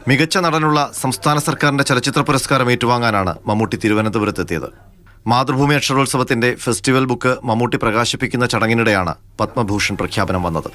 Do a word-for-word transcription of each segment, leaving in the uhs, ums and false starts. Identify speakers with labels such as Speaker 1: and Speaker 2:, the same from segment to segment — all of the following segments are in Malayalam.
Speaker 1: മികച്ച നടനുള്ള സംസ്ഥാന സർക്കാരിന്റെ ചലച്ചിത്ര പുരസ്കാരം ഏറ്റുവാങ്ങാനാണ് മമ്മൂട്ടി തിരുവനന്തപുരത്തെത്തിയത്. മാതൃഭൂമി അക്ഷരോത്സവത്തിന്റെ ഫെസ്റ്റിവൽ ബുക്ക് മമ്മൂട്ടി പ്രകാശിപ്പിക്കുന്ന ചടങ്ങിനിടെയാണ് പത്മഭൂഷൺ പ്രഖ്യാപനം വന്നത്.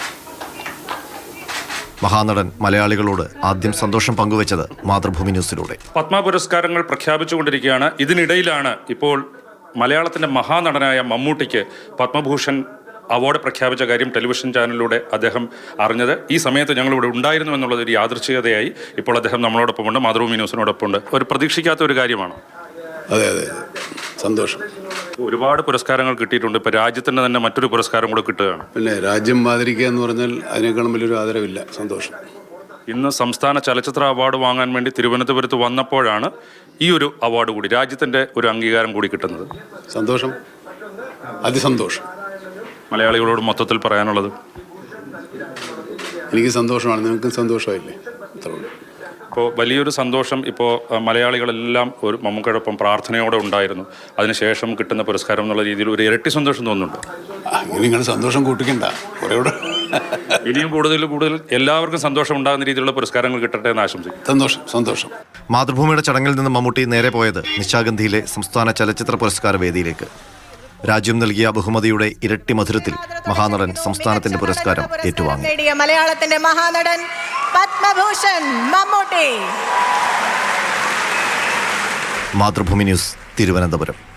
Speaker 1: മഹാനടൻ മലയാളികളോട് ആദ്യം സന്തോഷം പങ്കുവച്ചത് മാതൃഭൂമി ന്യൂസിലൂടെ.
Speaker 2: പത്മ പുരസ്കാരങ്ങൾ പ്രഖ്യാപിച്ചുകൊണ്ടിരിക്കുകയാണ്. ഇതിനിടയിലാണ് ഇപ്പോൾ മലയാളത്തിന്റെ മഹാനടനായ മമ്മൂട്ടിക്ക് പത്മഭൂഷൺ അവാർഡ് പ്രഖ്യാപിച്ച കാര്യം ടെലിവിഷൻ ചാനലിലൂടെ അദ്ദേഹം അറിഞ്ഞത്. ഈ സമയത്ത് ഞങ്ങളിവിടെ ഉണ്ടായിരുന്നു എന്നുള്ളത് ഒരു യാദൃച്ഛികതയായി ഇപ്പോൾ അദ്ദേഹം നമ്മളോടൊപ്പമുണ്ട്, മാതൃഭൂമി ന്യൂസിനോടൊപ്പമുണ്ട്. ഒരു പ്രതീക്ഷിക്കാത്ത ഒരു കാര്യമാണ്.
Speaker 3: അതെ അതെ സന്തോഷം.
Speaker 2: ഒരുപാട് പുരസ്കാരങ്ങൾ കിട്ടിയിട്ടുണ്ട്. ഇപ്പോൾ രാജ്യത്തിന് തന്നെ മറ്റൊരു പുരസ്കാരം കൂടെ കിട്ടുകയാണ്.
Speaker 3: പിന്നെ രാജ്യം ആദരിക്കുക എന്ന് പറഞ്ഞാൽ അതിനേക്കാളും വലിയൊരു ആദരവില്ല. സന്തോഷം.
Speaker 2: ഇന്ന് സംസ്ഥാന ചലച്ചിത്ര അവാർഡ് വാങ്ങാൻ വേണ്ടി തിരുവനന്തപുരത്ത് വന്നപ്പോഴാണ് ഈ ഒരു അവാർഡ് കൂടി, രാജ്യത്തിൻ്റെ ഒരു അംഗീകാരം കൂടി കിട്ടുന്നത്.
Speaker 3: സന്തോഷം, അതിസന്തോഷം.
Speaker 2: മലയാളികളോട് മൊത്തത്തിൽ പറയാനുള്ളത്?
Speaker 3: എനിക്ക് സന്തോഷമാണ്, നിങ്ങൾക്കും സന്തോഷമായില്ലേ? അത്രയുള്ളൂ.
Speaker 2: ഇപ്പോൾ വലിയൊരു സന്തോഷം. ഇപ്പോൾ മലയാളികളെല്ലാം ഒരു മമ്മൂക്കയോടൊപ്പം പ്രാർത്ഥനയോടെ ഉണ്ടായിരുന്നു. അതിനുശേഷം കിട്ടുന്ന പുരസ്കാരം എന്നുള്ള രീതിയിൽ ഒരു ഇരട്ടി സന്തോഷം തോന്നുന്നുണ്ട്.
Speaker 3: ഇനി നിങ്ങൾ സന്തോഷം കൂട്ടിക്കണ്ട, കുറേ കൂടെ
Speaker 2: ഇനിയും കൂടുതൽ കൂടുതൽ എല്ലാവർക്കും സന്തോഷം ഉണ്ടാകുന്ന രീതിയിലുള്ള പുരസ്കാരങ്ങൾ കിട്ടട്ടെ എന്ന് ആശംസിക്കും.
Speaker 3: സന്തോഷം സന്തോഷം.
Speaker 1: മാതൃഭൂമിയുടെ ചടങ്ങിൽ നിന്ന് മമ്മൂട്ടി നേരെ പോയത് നിശാഗന്ധിയിലെ സംസ്ഥാന ചലച്ചിത്ര പുരസ്കാര വേദിയിലേക്ക്. രാജ്യം നൽകിയ ബഹുമതിയുടെ ഇരട്ടി മധുരത്തിൽ മഹാനടൻ സംസ്ഥാനത്തിന്റെ പുരസ്കാരം ഏറ്റുവാങ്ങി.
Speaker 4: മലയാളത്തിന്റെ മഹാനടൻ പത്മഭൂഷൺ മമ്മൂട്ടി.
Speaker 1: മാതൃഭൂമി ന്യൂസ്, തിരുവനന്തപുരം.